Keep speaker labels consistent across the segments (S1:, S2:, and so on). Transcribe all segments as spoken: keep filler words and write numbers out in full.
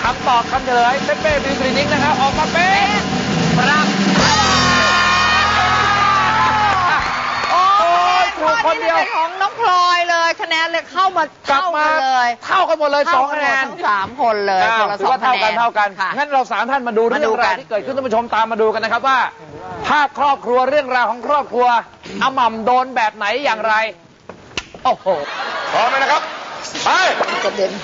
S1: ำตอบคำเฉลยเป๊ะเป๊ะบิวคลินิกนะครับออกมาเป็นครับโอ้ยถูกคนเดียว
S2: ของน้องพลอยเลยคะแนนเลยเข้ามาเท่ากันเลย
S1: เท่ากันหมดเลยสองคะแนน
S2: ทั้งสามคนเลยคนละสองคะแนน
S1: เท่ากันเท่ากันงั้นเราสามท่านมาดูเรื่องราวที่เกิดขึ้นท่านผู้ชมตามมาดูกันนะครับว่าถ้าครอบครัวเรื่องราวของครอบครัวอาหม่ำโดนแบบไหนอย่างไรโอ้โห
S3: พร้อมไหมนะครับไป
S2: กระเด็น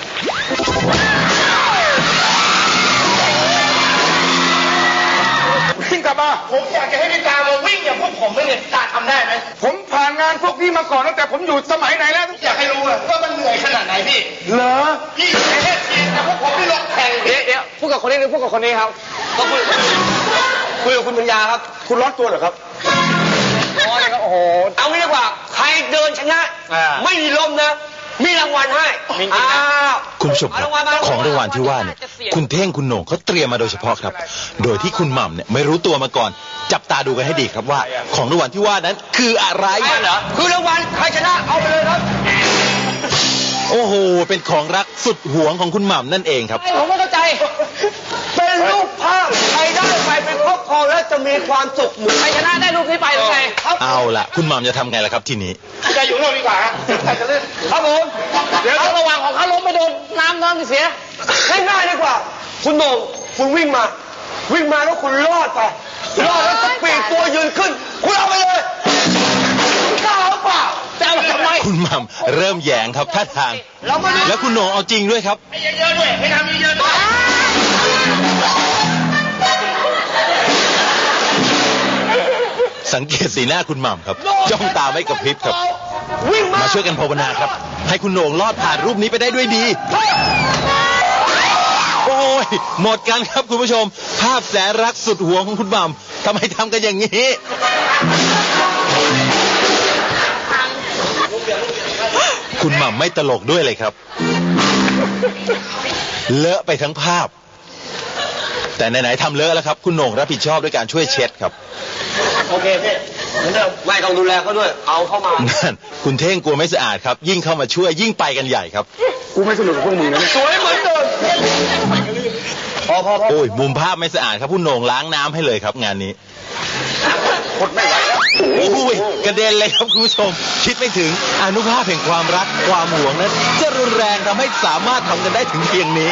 S3: วิ่งกลับมาผมอยากจะให้พี่ตามาวิ่งอย่างพวกผมไม่เนี่ยตาทำได้ไหมผมผ่านงานพวกพี่มาก่อนตั้งแต่ผมอยู่สมัยไหนแล้วอยากให้รู้ว่ามันเหนื่อยขนาดไหนพี่เหรอพี่ประเทศจีนแต่พวกผมไม่ลงแข่งเดี๋ยวเดี๋ยวพูดกับคนนี้หรือพูดกับคนนี้ครับก็คุยคุยกับคุณปัญญาครับคุณร้อนตัวเหรอครับร้อนเลยครับโอ้โหเอางี้ดีกว่าใครเดินชนะไม่มีลมนะมีรางวัลให้
S4: คุณผู้ชมครับของรางวัลที่ว่าเนี่ยคุณเท่งคุณโหน่งเขาเตรียมมาโดยเฉพาะครับโดยที่คุณหม่ำเนี่ยไม่รู้ตัวมาก่อนจับตาดูกันให้ดีครับว่าของรางวัลที่ว่านั้นคืออะไร
S3: เหรอคือรางวัลใครชนะเอาไปเลยครับ
S4: โอ้โหเป็นของรักสุดหวงของคุณหม่ำนั่นเองครับ
S3: ผมไม่เข้าใจเป็นรูปภาพใครได้ไปเป็นครอบครองแล้วจะมีความสุขเหมือนใครชนะได้รูปนี้ไปหรือไง
S4: เอาล่ะคุณหม่ำจะทำไงล่ะครับทีนี้
S3: จะอยู่เราดีกว่าใครจะเล่นครับผมเดี๋ยวระหว่างของเขาล้มไปโดนน้ำน้ำเสียง่ายๆดีกว่าคุณโหน่งคุณวิ่งมาวิ่งมาแล้วคุณรอดไปรอดแล้วจะปีกตัวยืนขึ้นคุณเอาไปเลยกล้าหรือเปล่าจะเอาทำไม
S4: คุณหม่ำเริ่มแยงครับท่าทางแล้วคุณโหน่งเอาจริงด้วยครับ
S3: ให้เยอะๆด้วยให้ทำเยอะๆด้วย
S4: สังเกตสีหน้าคุณหม่ำครับจ้องตาไม่กระพริบครับมาช่วยกันภาวนาครับให้คุณโหน่งรอดผ่านรูปนี้ไปได้ด้วยดีโอ้ยหมดกันครับคุณผู้ชมภาพแสนรักสุดหวงของคุณหม่ำทำไมทำกันอย่างนี้คุณหม่ำไม่ตลกด้วยเลยครับเลอะไปทั้งภาพแต่ไหนๆทำเลอะแล้วครับคุณโหน่งรับผิดชอบด้วยการช่วยเช็ดครับ
S3: โอเคพี่เหมือนเดิมไม่ต้องดูแลเขาด้วยเอาเข้ามา
S4: นั่นคุณเท่งกลัวไม่สะอาดครับยิ่งเข้ามาช่วยยิ่งไปกันใหญ่ครับ
S3: กูไม่สนุกกับพวกมึงนะสวยเหมือนเดิมพอพอพอ
S4: โอ้ยมุมภาพไม่สะอาดครับคุณโหน่งล้างน้ำให้เลยครับงานนี้
S3: หมดไม่ไหวแล้ว
S4: โอ้ยกระเด็นเลยครับคุณผู้ชมคิดไม่ถึงอนุภาพแห่งความรักความหวงนั้นจะรุนแรงทำให้สามารถทำกันได้ถึงเพียงนี้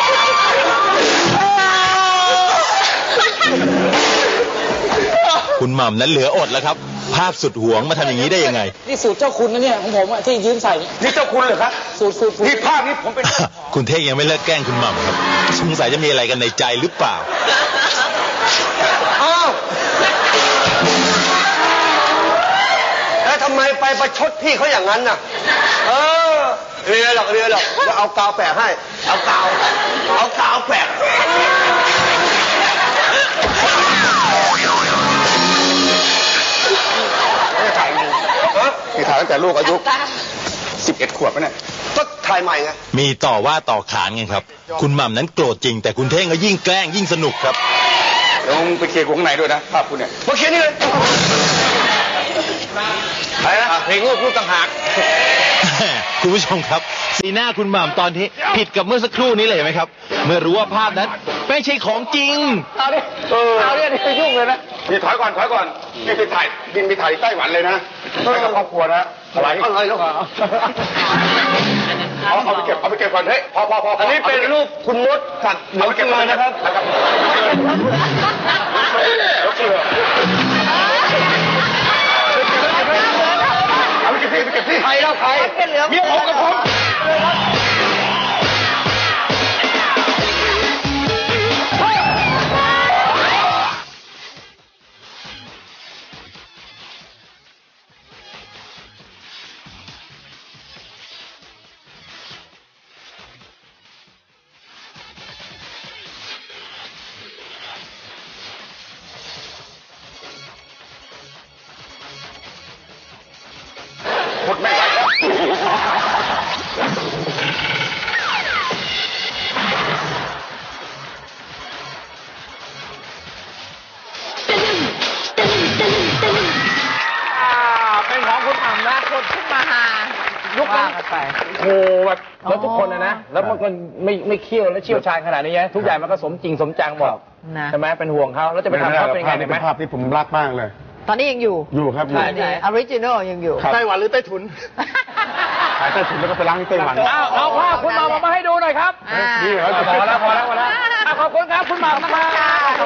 S4: คุณหม่ำนั้นเหลืออดแล้วครับภาพสุดหวงมาทำอย่างนี้ได้ยังไง
S1: นี่สูตรเจ้าคุณนะเนี่ยของผมที่ยืมใส่
S3: นี่เจ้าคุณเหรอครับ
S1: สูตรสูตร
S3: นี่ภาพนี้ผมเป็น
S4: คุณเท่งยังไม่เลิกแกล้งคุณหม่ำครับสงสัยจะมีอะไรกันในใจหรือเปล่า
S3: อ้าวแล้วทำไมไปประชดพี่เขาอย่างนั้นน่ะเออเรียหรอกเรียหรอกจะเอากาวแปะให้เอากาวเอากาวแปะไม่ถ่ายมันนี่ถ่ายตั้งแต่ลูกอายุสิบเอ็ดขวบแล้วเนี่ยก็ถ่ายใหม่ไง
S4: มีต่อว่าต่อขานไงครับคุณหม่ำนั้นโกรธจริงแต่คุณเท่งก็ยิ่งแกล้งยิ่งสนุกครับ
S3: ลงไปเคลียร์ข้างในด้วยนะภาพคุณเนี่ยมาเคลียร์นี่เลยอะไรนะเพลงลูกลูกต่างหาก
S4: คุณผู้ชมครับสีหน้าคุณหม่ำตอนนี้ผิดกับเมื่อสักครู่นี้เลยไหมครับเมื่อรู้ว่าภาพนั้นไม่ใช่ของจริง
S3: เอาดิเออเอาเนี่ยนี่ยุ่งเลยนะนี่ถอยก่อนถอยก่อนนี่ไปถ่ายบินไปถ่ายไต้หวันเลยนะไปกับครอบครัวนะอะไรอะไรแล้วเอาเอาไปเก็บเอาไปเก็บก่อนเฮ้ยพอพอพออันนี้เป็นรูปคุณมดสัตว์เอาไปเก็บเลยนะครับเอาไปเก็บที่ไปเก็บที่ใครแล้วใครเมียผมกับผมหมดไม่ไหวแล้ว
S1: ว่ากันไปโอ้แบบแล้วทุกคนนะนะแล้วมันก็ไม่ไม่เคี่ยวและเชี่ยวชาญขนาดนี้นะทุกอย่างมันก็สมจริงสมจังหมดใช่ไหมเป็นห่วงเขาแล้วจะไปทำเขาเป็นยังไงไหม
S3: ภาพที่ผมรักมากเลย
S2: ตอนนี้ยังอยู่
S3: อยู่ครับอยู่
S2: ออริจินอลยังอยู่
S3: ไต้หวันหรือไต้ถุนขายไต้ถุนแล้วก็ไปล้างที่ไต้หวัน
S1: เอาเอาภาพคุณหม่ำมาให้ดูหน่อยครับ
S2: อ่า
S3: นี่เหรอ
S1: พอแล้วพอแล้วพอแล้วอ่ะขอบคุณครับคุณหม่ำนะครับ